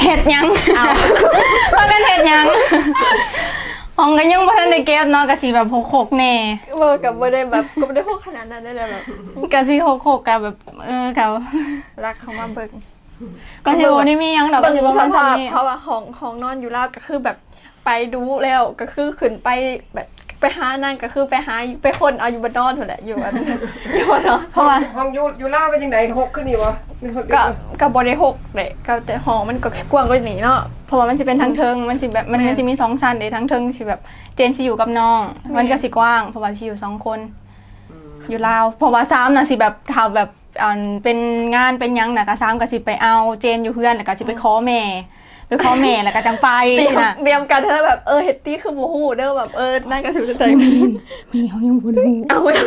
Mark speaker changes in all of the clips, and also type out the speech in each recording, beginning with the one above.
Speaker 1: เฮ็ดยังพากันเฮ็ดยังห้องก็ยังบ่ทันได้เก็บเนาะก็สิแบบหกๆแน่
Speaker 2: กับบ่ได้แบบก็บ่ได้พวกขนาดนั้นได้เลยแบบ
Speaker 1: ก็สิหกๆก็แบบเขา
Speaker 2: รักเขามาเบิ่ง
Speaker 1: ก็สิบ่ได้มีหยังดอกก็สิบ่มันทำนี่
Speaker 2: เพราะว่าห้องนอนอยู่ลาวก็คือแบบไปดูแล้วก็คือขึ้นไปแบบไปหานั่นก็คือไปหาไปคนเอาอยู่บนนอนเท่านั้นอยู่อันอยู่บนนอน
Speaker 1: เพราะว่า
Speaker 3: ห้องอยู่ล่าเป็นยังไง6ขึ้นนี่วะ
Speaker 2: ก็บ่ได้6เลยก็แต่ห้องมันก็กว้างกว่านี้เนาะ
Speaker 1: เพราะว่ามันสิเป็นทั้งเทิงมันสิแบบมันสิมี2ชั้นเด้ทั้งเทิงสิแบบเจนสิอยู่กับน้องมันก็สิกว้างเพราะว่าสิอยู่2คนอยู่ลาวเพราะว่า3น่ะสิแบบถ้าแบบเป็นงานเป็นหยังน่ะก็3ก็สิไปเอาเจนอยู่เพื่อนแล้วก็สิไปขอแม่แล้วก็จังไป
Speaker 2: นะเตรียมกันเธอแบบเฮ็ดตี้คือบ่ฮู้เด้อแบบนั่นก็สิใจ
Speaker 1: มีเขายังบ่รู้
Speaker 2: เอาไม่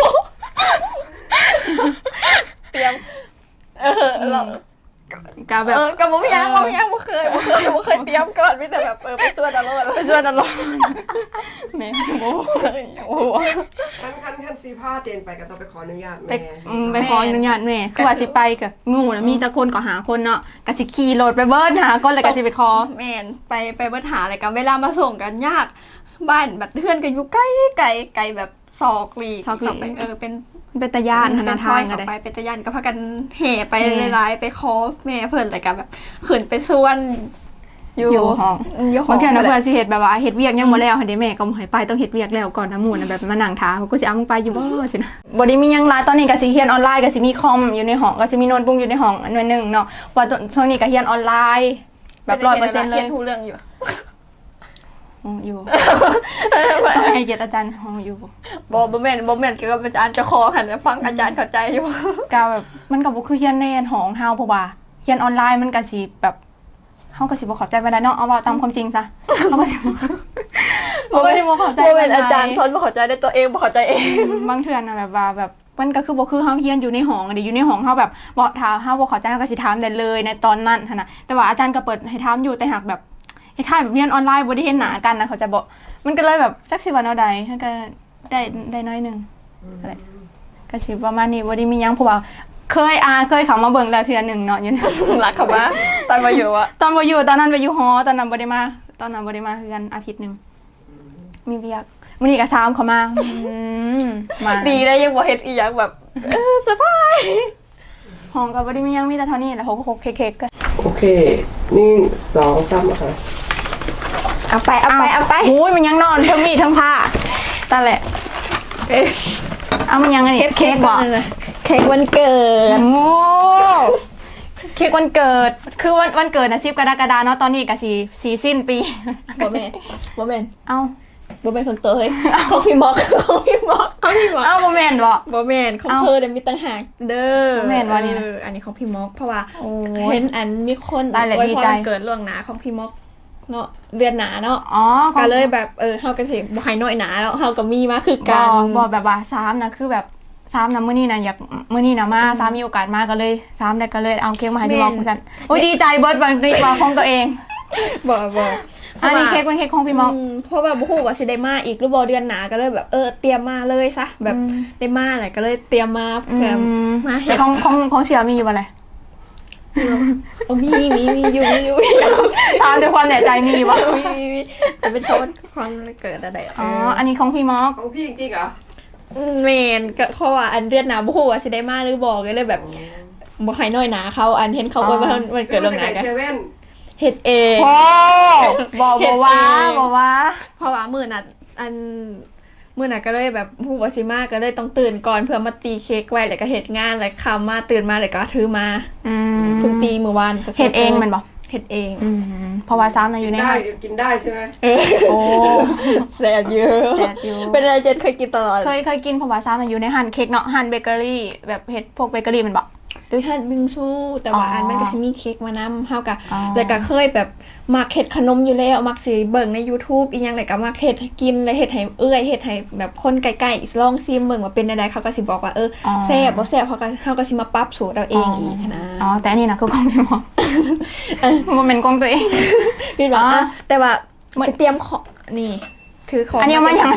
Speaker 2: เตรียมเรา
Speaker 1: ก็แบบ
Speaker 2: ก็บ่มีหยังบ่เคยเตรียมก่อนมีแต่แบบไปส่วนอารมณ์
Speaker 1: แม่โอ้
Speaker 3: คันสีผ้าเจนไปก็ต้องไปขออนุญาตแม่
Speaker 1: ไปขออนุญาตแม่คือว่าสิไปก็งูน่ะมีแต่คนก็หาคนเนาะก็สิขี่รถไปเบิ้ลหาคนแล้วก็สิไปขอ
Speaker 2: แม่นไปเบิ้ลหาอะไรกันเวลามาส่งกันยากบ้านบัดเฮือนก็อยู่ไกลแบบซอกลีไป
Speaker 1: เป็นตะย่านธนาทาง
Speaker 2: ก็ได้เป็นตะย่านก็พากันแห่ไปหลายๆไปขอแม่เพิ่นอะไรกันแบบขึ้นไปส่วน
Speaker 1: อยู่ห้องบางทีนะเพื่อนสิเฮ็ดแบบว่าเฮ็ดเวียกยังบ่แล้วหั่นเด้แม่ก็บ่ให้ไปต้องเฮ็ดเวียกแล้วก่อนนะหมู่น่ะแบบมานั่งถามก็สิเอามึงไปอยู่บ่สินะบ่ได้มีหยังหลายตอนนี้ก็สิเรียนออนไลน์ก็สิมีคอมอยู่ในห้องก็สิมีโน้ตบุ๊กอยู่ในห้องอันนึงเนาะว่าช่วงนี้ก็เรียนออนไลน์แบบ 100% เลย
Speaker 2: เรียนทุกเรื่องอยู่
Speaker 1: อยู่ต้องให้เกียรติอาจารย์ห้องอยู่
Speaker 2: บ่แม่นเกี่ยวกับอาจารย์จะคอหันฟังอาจารย์เข้าใจอยู่
Speaker 1: ก็แบบมันก็บ่คือเรียนในห้องเฮาเพราะว่าเรียนออนไลน์มันก็สิแบบเฮาก็สิบ่เข้าใจปานใดเนาะเอาว่าตามความจริงซะเฮาก็สิบ่ได้บ่เข้าใจ
Speaker 2: บ่แม่นอาจารย์สอนบ่เข้าใจได้ตัวเองบ่เข้าใจเอง
Speaker 1: บางเทื่อน่ะแบบว่าแบบมันก็คือบ่คือเฮาเรียนอยู่ในห้องดิอยู่ในห้องเฮาแบบบ่ถามเฮาบ่เข้าใจเฮาก็สิถามได้เลยในตอนนั้นหั่นน่ะแต่ว่าอาจารย์ก็เปิดให้ถามอยู่แต่หากแบบคล้ายๆแบบเรียนออนไลน์บ่ได้เห็นหน้ากันนะเขาจะบอกมันก็เลยแบบจักสิว่าแนวใดมันก็ได้น้อยนึงอะไรก็สิประมาณนี้บ่ได้มีหยังเพราะว่าเคยเข้ามาเบิ่งแล้วเทื่อนึงเนาะอยู่
Speaker 2: รักเขาว่าตอนบ่อยู่อะ
Speaker 1: ตอนบ่อยู่ตอนนั้นไปอยู่หอตอนนั้นบ่ได้มาคือกันอาทิตย์นึงมีเวียกมื้อนี้ก็ซ้ำเข้ามา
Speaker 2: ดีได้ยังบ่เฮ็ดอีหยังแบบเซอร์ไพรส์
Speaker 1: ห้องก็บ่ได้มีหยังมีแต่เท่านี้แหละ6เค้กๆก็
Speaker 3: โอเคนี่2 3ค่ะ
Speaker 2: เอาไป
Speaker 1: โอ้ยมันยังนอนทั้งมีดทั้งผ้าตาแหละเอามันยังไงนี่เค้กบ่
Speaker 2: เค้กวันเกิด
Speaker 1: โอ้เค้กวันเกิดคือวันเกิดนะ10 กรกฎาคมเนาะตอนนี้ก็สีสิ้นปี
Speaker 2: บ่แม่น
Speaker 1: เอ้า
Speaker 2: บ่แม่นของเตยของพี่ม็อก
Speaker 1: เอ้าบ่แม่น
Speaker 2: บ่แม่นของเธอมีต่างหากเด้อ
Speaker 1: บ่แม่นว่านี่นะ
Speaker 2: อันนี้ของพี่ม็อกเพราะว่าเห็นอันมีคนอวยพรวันเกิดล่วงหน้าของพี่ม็อกเนาะเดือนหนาเนาะก็เลยแบบเฮาก็สิบ่ให้น้อยหนาแล้วเฮาก็มีมาคือกัน
Speaker 1: บ่แบบว่า3นะคือแบบ3นะมื้อนี้นะอยากมื้อนี้นะมา3มีโอกาสมาก็เลย3ได้ก็เลยเอาเค้กมาให้พี่ม็อกซั่นโอ้ยดีใจเบิดวันนี้ว่าของตัวเอง
Speaker 2: บ่
Speaker 1: อันนี้เค้กเป็นเค้กของพี่ม็อก
Speaker 2: เพราะแบบบ่ฮู้ว่าสิได้มาอีกหรือบ่เดือนหน้าก็เลยแบบเตรียมมาเลยซะแบบได้มาแหละก็เลยเตรียมมาเพื่อมา
Speaker 1: เฮ็ดของเสี่ยมีอยู่บ่ล่ะ
Speaker 2: มีอยู่
Speaker 1: ตามด้วยความแน่ใจมีบ่
Speaker 2: มีแต่เป็นความเกิดอะไร
Speaker 1: อ๋ออันนี้ของพี่ม็อก
Speaker 3: ของพี่จริงๆเหรอ
Speaker 2: แม่นก็เพราะว่าอันเดือนหน้าบ่ฮู้ว่าสิได้มาหรือบ่ก็เลยแบบบ่ให้น้อยหนาเขาอันเห็นเขาอวยพรวันเกิดล่วงหน้ากันเฮ็ดเอง
Speaker 1: บ่ว่า
Speaker 2: เพราะว่ามื้อน่ะมื้อน่ะก็เลยแบบฮู้ว่าสิมาก็เลยต้องตื่นก่อนเพื่อมาตีเค้กไว้แล้วก็เฮ็ดงานแล้วค่ำมาตื่นมาแล้วก็ถือมาเพิ่งตีมื้อวาน
Speaker 1: เฮ็ดเองมันบ่
Speaker 2: เฮ็ดเอง
Speaker 1: เพราะว่าซ้ำน่ะอยู่ในห้าง
Speaker 3: กินได้ใช่มั้ย
Speaker 1: โอ้
Speaker 2: แซ่บอยู่เป็นอะไรเจนเคยกินตลอด
Speaker 1: เคยกินเพราะว่าซ้ำน่ะอยู่ในห้างเค้กเนาะห้างเบเกอรี่แบบเฮ็ดพวกเบเกอรี่มันบ่
Speaker 2: โดยท่านบิงซูแต่ว่าอันมันก็สิมีเค้กมานำเฮาก็แล้วก็เคยแบบมักเฮ็ดขนมอยู่แล้วมักสิเบิ่งใน YouTube อีหยังแล้วก็มักเฮ็ดกินแล้วเฮ็ดให้เฮ็ดให้แบบคนใกล้ๆลองชิมเบิ่งว่าเป็นจังได๋เขาก็สิบอกว่าแซ่บบ่แซ่บเฮาก็สิมาปรับสูตรเอาเองอีกนะ
Speaker 1: แต่อันนี้นะคือของพี่หมอบ่แม่นของตัวเอง
Speaker 2: พี่บอกแต่ว่าไปเตรียมของนี่ถือของ
Speaker 1: อันนี้มาอย่าง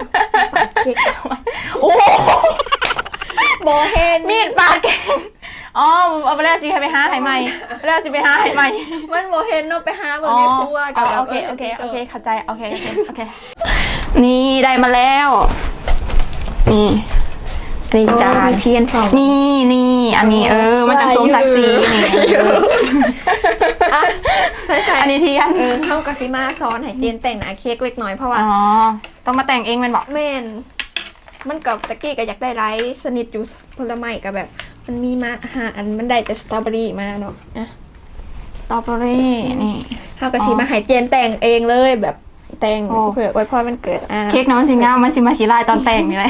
Speaker 1: เค้กโอ้บ่เห็น
Speaker 2: มีดปาดแกง
Speaker 1: อ๋อเอาไปแล้วสิไปหาให้ใหม่แล้วสิไปหาให้ใหม่
Speaker 2: มันบ่เห็นเนาะไปหาเบิ่งในครัวกับแบบ
Speaker 1: โอเคเข้าใจโอเคนี่ได้มาแล้วนี่อันนี้จาน
Speaker 2: เทียนทอง
Speaker 1: นี่อันนี้มันจะสมศักดิ์ศรีนี่
Speaker 2: อ่ะใช่
Speaker 1: อันนี้เทียน
Speaker 2: เข้ากะสิมาซ้อนให้เจนแต่งหน้าเค้กเล็กน้อยเพราะว่า
Speaker 1: อ๋อต้องมาแต่งเองมันบอก
Speaker 2: แม่นมันกับตะกี้ก็อยากได้ไลท์สนิทอยู่ผลไม้กับแบบ มันมีมาอาหารอันมันได้แต่สตรอเบอรี่มาเนาะอ่ะ
Speaker 1: สตรอเบอรี่นี่
Speaker 2: เข้ากะสิมาให้เจนแต่งเองเลยแบบแต่ง
Speaker 1: โอ้
Speaker 2: เผื่ออวยพรมันเกิด
Speaker 1: เค้กน้ำมันสิงามมันสิมาขี้ลายตอนแต่งนี่เลย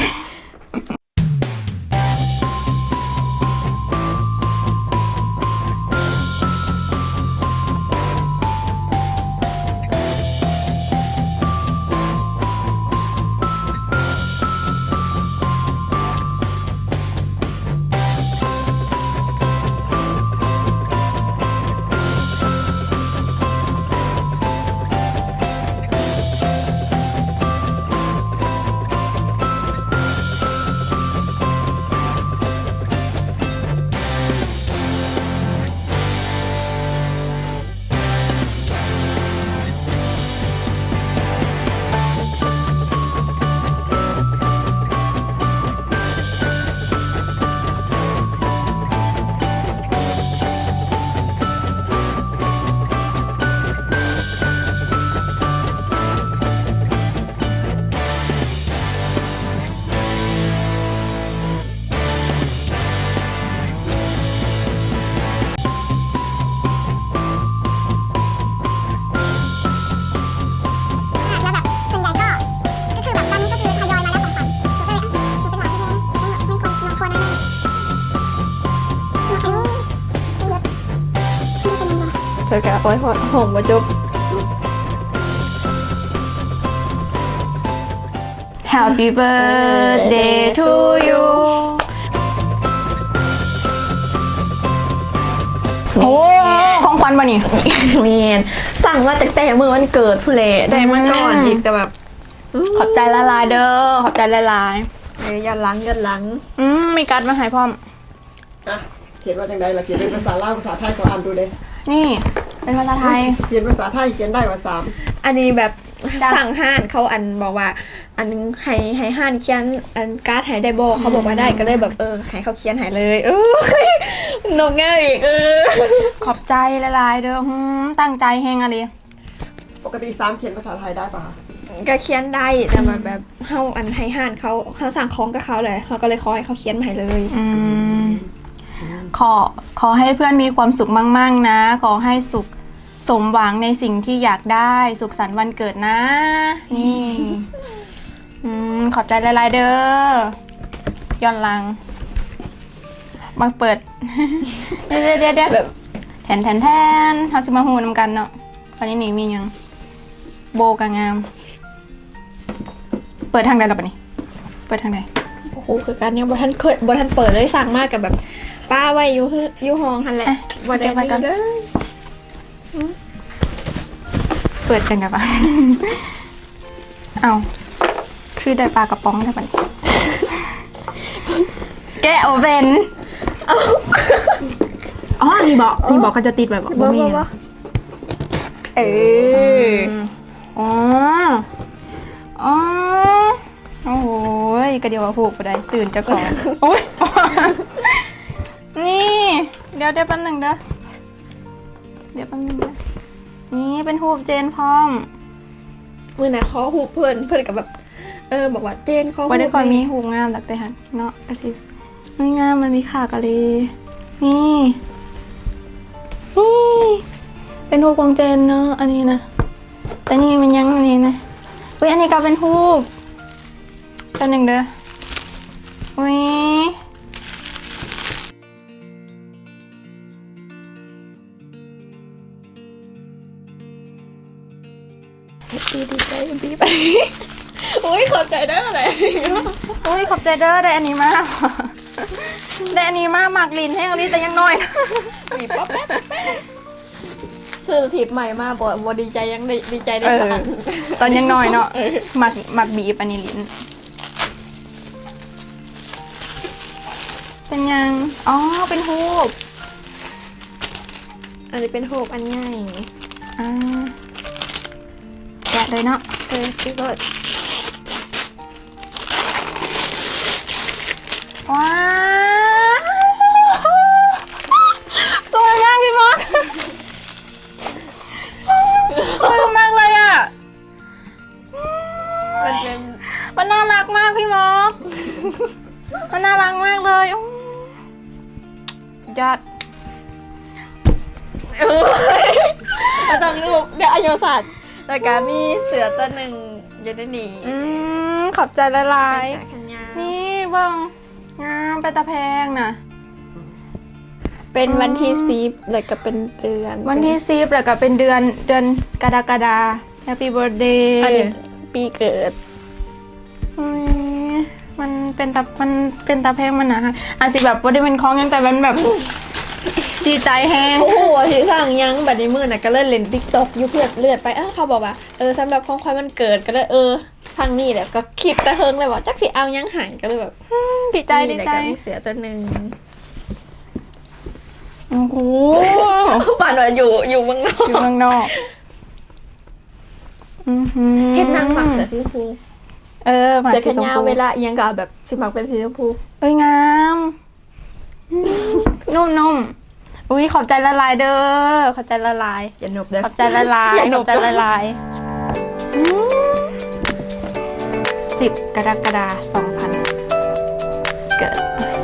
Speaker 4: แล้วแบบส่วนใหญ่ก็คือแบบตอนนี้ก็คือทยอยมาแล้วของขวัญก็เลยเป็นหลักที่ไม่ควรแน่ๆ
Speaker 2: เธอกะอวยพรหอมมาจบ
Speaker 1: Happy birthday to you โอ้ของขวัญป่ะนี่
Speaker 2: เมนสั่งมาแต่เมื่อวันเกิดผู้เล่ได้มาก่อนอีกแต่แบบ
Speaker 1: ขอบใจละลายเด้อขอบใจละลาย
Speaker 2: ยันหลัง
Speaker 1: มีการ์ดมาให้พร้อม
Speaker 3: อ่ะเขียนว่าจังไดล่ะเขียนเป็นภาษาลาวภาษาไทยก็อ่านดูเด้
Speaker 1: นี่เป็นภาษาไทย
Speaker 3: เขียนภาษาไทยเขียนได้ว่า3
Speaker 2: อันนี้แบบ
Speaker 1: จ้ะ
Speaker 2: สั่งห้านเขาอันบอกว่า อันนึงให้ห้านเขียนอันการ์ดให้ได้บอกเขาบอกว่าได้ก็เลยแบบให้เขาเขียนให้เลยนกง่ายอีก
Speaker 1: ขอบใจละลายเด้อตั้งใจแฮงอะไร
Speaker 3: ปกติ3เขียนภาษาไทยได้ป่ะคะ
Speaker 2: ก็เขียนได้แต่แบบเฮาอันให้ห้านเขาสั่งของกับเขาเลยเขาก็เลยขอให้เขาเขียนมาให้เลย
Speaker 1: ขอให้เพื่อนมีความสุขมั่งๆนะ ขอให้สุขสมหวังในสิ่งที่อยากได้สุขสันต์วันเกิดนะ นี่ขอบใจละลายเด้อย้อนหลังมาเปิด เดี๋ยว
Speaker 2: แบบ
Speaker 1: แทนเขาจะมาหูนำกันเนาะวันนี้นี่มียังโบกางามเปิดทางใดล่ะปะนี่เปิดทางใด
Speaker 2: โอ้โหคือการยังบ่ทันเปิดเลยสั่งมากกับแบบป้าไว้อยู่ห้องหันแหละวันนี้เด้อ
Speaker 1: เปิดกันกับปะ เอาคือได้ปลากระป๋องได้ปะนี่แกะโอเว่นอ๋อนี่บอกก็จะติดแบบบ่มี
Speaker 2: บ่
Speaker 1: อ๋อโอ้โหกระเดียวว่าผูกไปได้ตื่นเจ้าของโอ้ยนี่เดี๋ยวแป๊บหนึ่งเด้อนี่เป็นหูปเจนพร้อม
Speaker 2: มือไหนขอหูเพื่อนกับแบบบอกว่าเจนขอหู
Speaker 1: ว่าได้ก่อนมีหูงามหลักแต่หันเนาะกระสิไม่งามมันมีขากะเลยนี่เป็นหูของเจนเนาะอันนี้นะแต่นี่มันยังอันนี้นะเฮ้ยอันนี้ก็เป็นหูตัวหนึ่งเด้ออุ้ย
Speaker 2: ดีใจดีไปโอ้ยขอบใจได้อะไร
Speaker 1: อุ้ยขอบใจเด้อได้อันนี้มากได้อันนี้มากหมากลินให้อันนี้แต่ยังน้อยนะ
Speaker 2: บีบป๊อปแป๊บคือถีบใหม่มาบ่ดีใจยังดีใจได้ขนาด
Speaker 1: ตอนยังน้อยเนาะหมักบีบอันนี้ลิ้นเป็นยังอ๋อเป็นฮูบ
Speaker 2: อันนี้เป็นโฮปอันใหญ่
Speaker 1: อ่าแกะเลยเนาะ
Speaker 2: พี่เบิร์ด
Speaker 1: ว้าวสวยมากพี่มอกสวยมากเลยอ่ะ
Speaker 2: มันเป็น
Speaker 1: มันน่ารักมากพี่มอกมันน่ารักมากเลยอู้สุดยอด
Speaker 2: มันต้องรูปเดี๋ยวอายุสัตว์แล้วก็มีเสือตัวหนึ่งอยู่ในนี้
Speaker 1: ขอบใจละลา
Speaker 2: เป็น
Speaker 1: ย
Speaker 2: สายขันยาว
Speaker 1: นี่เบิ่งงามเป็นตาแพงนะ
Speaker 2: เป็นวันที่10แล้วก็เป็นเดือน
Speaker 1: วันที่10แล้วก็เป็นเดือนกรกฎา Happy Birthday
Speaker 2: อันนี้ปีเกิด
Speaker 1: อุ๊ยมันเป็นตาแพงมันนะฮะอาจสิแบบบ่ได้เป็นของหยังแต่มันแบบ ดีใจแฮง
Speaker 2: โอ้โหที่สั่งยังบัดนี้มือน่ะก็เลยเล่น TikTok อยู่เพื่อนเลือดไปเขาบอกว่าสำหรับของขวัญวันเกิดก็เลยทางนี้แหละก็คิดตะเฮิงเลยว่าจักสิเอายังหายก็เลยแบบ
Speaker 1: ดีใจ
Speaker 2: นี่แหละก็มีเสือตัวหนึ่ง
Speaker 1: โอ้โห
Speaker 2: ป่านว่าอยู่เมืองนอก
Speaker 1: อยู่เมืองนอกอื้อหือ
Speaker 2: เฮ็ดนางหมักเสือสีชมพู
Speaker 1: หมา
Speaker 2: เสือ
Speaker 1: สี
Speaker 2: แขน
Speaker 1: ชม
Speaker 2: ยาว
Speaker 1: พู
Speaker 2: เวลาเอียงก็เอาแบบสิหมักเป็นสีชมพู
Speaker 1: เอ้ยงามนุ่มๆอุ้ยขอบใจละลายเด้อขอบใจละลาย
Speaker 2: อย่าหนบเด้อ
Speaker 1: ขอบใจละลาย
Speaker 2: อย่าหน
Speaker 1: ขอบ บใจละลาย10 กรกฎาคม 2000 เกิด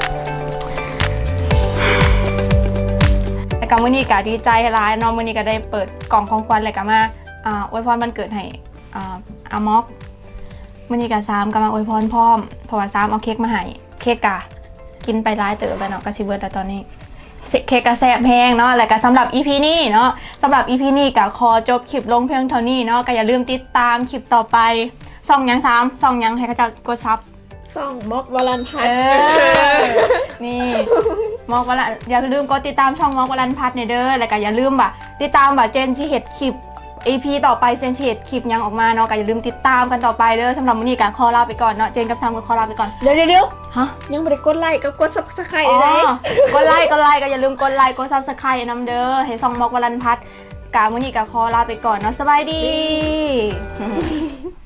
Speaker 1: แต่ก็มื้อนี้ก็ดีใจหลายเนาะมื้อนี้ก็ได้เปิดกล่องของขวัญแล้วก็มาอวยพรวันเกิดให้อามอกมื้อนี้ก็3ก็มาอวยพรพร้อมเพราะว่า3เอาเค้กมาให้เค้กกะกินไปหลายเติบแล้วเนาะก็สิเบิดแล้วตอนนี้ เค้กกระแสบแพงเนาะแล้วก็สำหรับ EP นี้เนาะสำหรับ EP นี้ก็ขอจบคลิปลงเพียงเท่านี้เนาะก็อย่าลืมติดตามคลิปต่อไปช่องยัง3ช่องยังให้เขาจะกดซับ
Speaker 2: ส่องมอกวลันพัฒ
Speaker 1: เอ
Speaker 2: น์
Speaker 1: นี่มอกวลันอย่าลืมกดติดตามช่องมอกวลันพัฒน์เนี่ยเด้อแล้วก็อย่าลืมบ่ะติดตามบ่ะเจนสิเฮ็ดคลิป EP ต่อไปเจนสิเฮ็ดคลิปยังออกมาเนาะก็อย่าลืมติดตามกันต่อไปเด้อสำหรับมื้อนี้ก็ขอลาไปก่อนเนาะเจนกับซามก็ขอลาไปก่อน
Speaker 2: เดี๋ยว
Speaker 1: ฮะ
Speaker 2: ยังไม่ได้กดไลค์ก็กด Subscribe
Speaker 1: อ๋อ
Speaker 2: ได้
Speaker 1: กดไลค์ก็อย่าลืมกดไลค์กด Subscribe นำเด้อให้ซองมอกวลันพัฒน์กามื้อนี้ก็ขอลาไปก่อนเนาะสบายดี